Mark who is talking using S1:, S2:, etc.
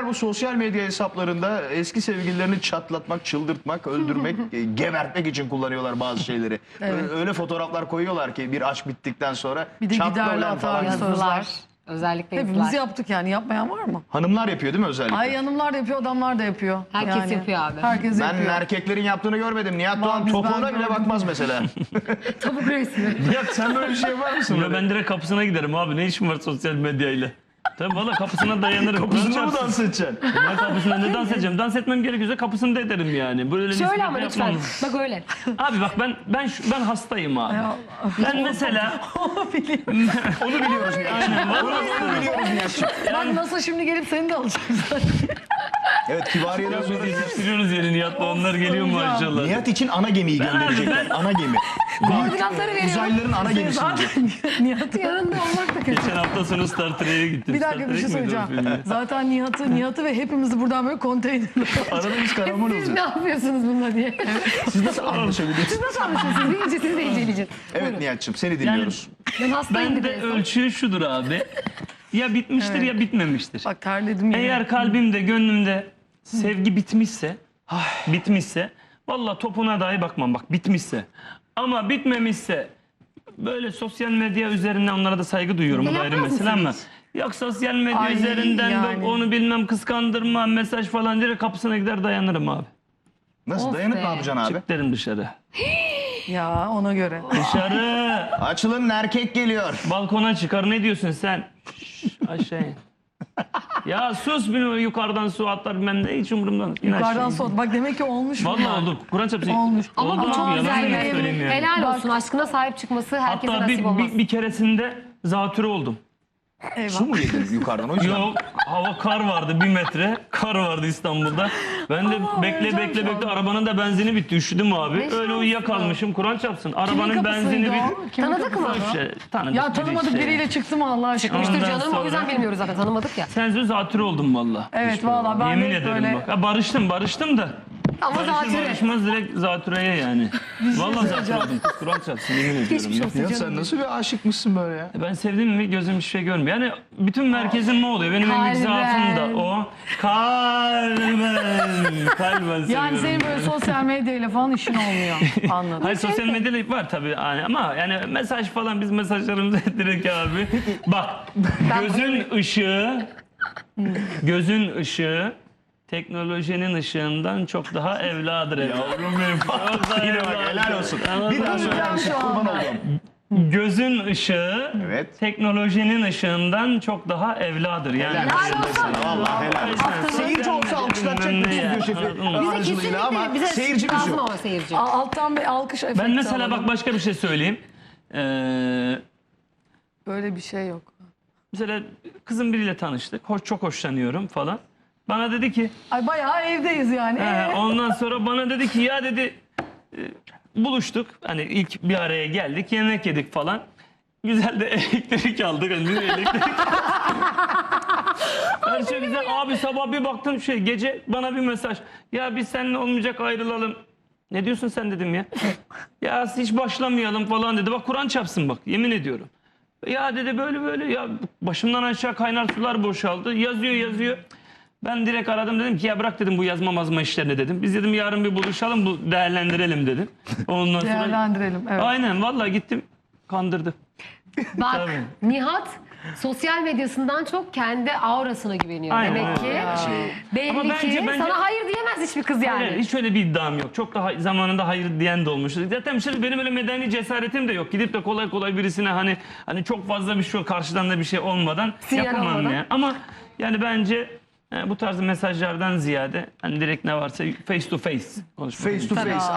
S1: erkekler bu sosyal medya hesaplarında eski sevgililerini çatlatmak, çıldırtmak, öldürmek, gebertmek için kullanıyorlar bazı şeyleri. Öyle fotoğraflar koyuyorlar ki bir aşk bittikten sonra
S2: Bir de
S1: çatla
S2: giderler
S1: ulan falan.
S2: falan.
S3: Yazılar. Özellikle
S2: Hepimiz
S3: yazılar.
S2: yaptık yani. Yapmayan var mı?
S1: Hanımlar yapıyor değil mi özellikle?
S2: Ay hanımlar da yapıyor, adamlar da yapıyor.
S3: Herkes yapıyor abi.
S2: Herkes
S1: Ben
S2: yapıyor.
S1: erkeklerin yaptığını görmedim. Nihat Doğan
S2: biz
S1: topuğuna
S2: ben
S1: bile
S2: gördüm.
S1: bakmaz mesela.
S3: Tavuk resmi.
S1: Nihat sen böyle bir şey yapar mısın?
S4: Ya ben direkt kapısına giderim abi. Ne işim var sosyal medyayla? Tabii valla kapısına dayanırım.
S1: Kapısında mı dans edeceksin?
S4: Ben kapısında ne dans edeceğim? Dans etmem gerekiyorsa kapısında ederim yani. Böyle
S3: Şöyle
S4: nispet
S3: ama lütfen.
S4: yapmam.
S3: Bak öyle.
S4: Abi bak ben hastayım abi. Ben mesela
S1: Onu biliyoruz Nihat.
S4: aynen
S1: Onu biliyoruz Nihat'cığım.
S2: Bak nasıl şimdi gelip seni de alacaklar.
S1: Evet, Kibariye'den sonra
S4: yetiştiriyoruz yeni Nihat'la, onlar geliyor maşallah.
S1: Nihat için ana gemiyi gönderecekler. Ana gemi.
S3: Koordinatları veriyorum.
S1: Uzaylıların ana gemisi.
S2: Nihat'ın yanında olmak da kötü.
S4: Geçen hafta sonu Star Trek'e gittim.
S2: Bir dakika bir şey söyleyeceğim. Zaten Nihat'ı ve hepimizi buradan böyle konteynerle.
S1: Arada biz karamol
S3: Siz
S1: olacağız.
S3: ne yapıyorsunuz bununla diye.
S1: Siz nasıl anlaşabiliyorsunuz?
S3: Nasıl anlaşıyorsunuz? Birinci sizi de inceleyeceğiz.
S1: Evet Nihat'cığım, seni dinliyoruz.
S3: Ben hastayım
S4: Ben de
S3: bir de.
S4: ölçü şudur abi. Ya bitmiştir ya bitmemiştir.
S2: Bak terledim yine.
S4: Eğer kalbimde, gönlümde sevgi bitmişse vallahi topuna dahi bakmam, bak bitmişse. Ama bitmemişse böyle sosyal medya üzerinden onlara da saygı duyuyorum, o da ayrı
S3: Yapmaz
S4: mesele ama
S3: mısınız?
S4: yok sosyal medya
S2: Ay,
S4: üzerinden
S2: yani.
S4: onu bilmem kıskandırma, mesaj falan direkt kapısına gider dayanırım abi.
S1: Nasıl
S3: Of
S1: dayanıp
S3: be.
S1: ne yapacaksın abi?
S4: Çık derim dışarı.
S2: Ya ona göre.
S4: Dışarı
S1: Açılın, erkek geliyor.
S4: balkona çıkar, ne diyorsun sen? Şş, aşağı in. Ya sus, bir yukarıdan su atlar bilmem ne, hiç umurumda değil. İn
S2: Yukarıdan
S4: aşağı.
S2: soğut. Bak demek ki olmuş.
S4: Vallahi oldu. Kur'an çarpsın.
S2: Olmuş.
S3: Ama
S4: Oldu
S3: bu çok
S4: abi, yalan
S3: güzel.
S4: mı söyleyeyim yani?
S3: Helal olsun. Aşkına sahip çıkması herkese
S4: Hatta
S3: nasip olmaz.
S4: bir keresinde zatürre oldum.
S2: Eyvah.
S1: Su mu yedin yukarıdan o yüzden?
S4: Yok, hava kar vardı, 1 metre kar vardı İstanbul'da. Ben de
S2: Allah,
S4: bekle
S2: öleceğim şu an.
S4: arabanın da benzini bitti, üşüdüm abi.
S3: Ne
S4: Öyle
S3: şanslı.
S4: uyuyakalmışım, Kur'an çarpsın.
S2: Kimin
S4: Arabanın benzini
S2: kapısıydı
S4: bitti.
S2: o? Kimin
S3: Tanıdık mı?
S2: kapısı?
S4: İşte, tanıdık
S2: Ya
S4: biri
S2: tanımadık
S4: işte.
S2: biriyle çıktı mı Allah aşkına?
S3: Çıkmıştır
S4: Ondan
S3: canım. O yüzden
S4: sonra-
S3: bilmiyoruz zaten. Tanımadık ya.
S4: Sensiz zatürre oldum valla.
S2: Evet valla ben
S4: Yemin
S2: de
S4: ederim
S2: böyle.
S4: bak. Ha, barıştım da.
S3: Ama
S4: Barışır
S3: zatürre.
S4: barışmaz direkt zatürreye yani. Vallahi zatürre oldum. Kur'an çarpsın, yemin ediyorum.
S3: Geçmiş
S4: ya.
S3: olsun
S1: Nihat
S3: canım.
S1: sen nasıl bir aşıkmışsın böyle ya?
S4: Ben sevdim mi gözüm hiçbir şey görmüyor. Yani bütün merkezim ne oluyor? Benim en büyük
S3: Kalben.
S4: zaafım da o. Kalben
S2: Yani
S4: seviyorum.
S2: senin böyle sosyal medyayla falan işin olmuyor. Anladım.
S4: Hayır, sosyal medyada var tabii yani, ama yani mesaj falan, biz mesajlarımızı direkt abi. Bak, gözün ışığı teknolojinin ışığından çok daha evladır.
S1: Yavrum benim. Yine bak, helal olsun. Bir daha söyler misin? Kurban oldum.
S4: Gözün ışığı
S1: Evet.
S4: teknolojinin ışığından çok daha evladır. Yani
S1: Helal olsun. Vallahi helal olsun. Seyirci olsa alkışlatacak mı stüdyo şefi
S3: Bize
S1: aracılığıyla ama
S3: kesinlikle bize
S1: seyircimiz
S3: lazım
S1: yok.
S3: ama seyirci.
S2: Alttan bir alkış efekti
S4: ben mesela
S2: alalım.
S4: bak başka bir şey söyleyeyim.
S2: Böyle bir şey yok.
S4: Mesela kızım biriyle tanıştık. Çok hoşlanıyorum falan. Bana dedi ki,
S2: Ay bayağı evdeyiz yani.
S4: ondan sonra bana dedi ki ya dedi buluştuk. Hani ilk bir araya geldik, yemek yedik falan. Güzel de elektrik aldık. Hani elektrik. Her şey güzel. Abi sabah bir baktım gece bana bir mesaj. Ya biz seninle olmayacak, ayrılalım. Ne diyorsun sen dedim ya. Ya hiç başlamayalım falan dedi. Bak Kur'an çarpsın bak, yemin ediyorum. Ya dedi böyle ya, başımdan aşağı kaynar sular boşaldı. Yazıyor. Ben direkt aradım, dedim ki ya bırak dedim bu yazma mazma işlerini dedim. Biz dedim yarın bir buluşalım, bu değerlendirelim dedim. Ondan sonra
S2: Değerlendirelim. Evet.
S4: aynen vallahi gittim, kandırdı.
S3: Bak
S4: Tabii.
S3: Nihat sosyal medyasından çok kendi aurasına güveniyor.
S4: Aynen
S3: Demek
S4: öyle.
S3: ki belli
S4: Ama
S3: ki
S4: bence-
S3: sana hayır diyemez hiçbir kız yani.
S4: Hayır, hiç öyle bir iddiam yok. Çok da zamanında hayır diyen de olmuş. Zaten şimdi benim öyle medeni cesaretim de yok. Gidip de kolay birisine hani çok fazla bir şey, karşıdan da bir şey olmadan
S3: Sinyal
S4: yapamam
S3: olmadan.
S4: yani. Ama yani bence bu tarz mesajlardan ziyade hani direkt ne varsa face to face konuşmak.
S1: Face to face.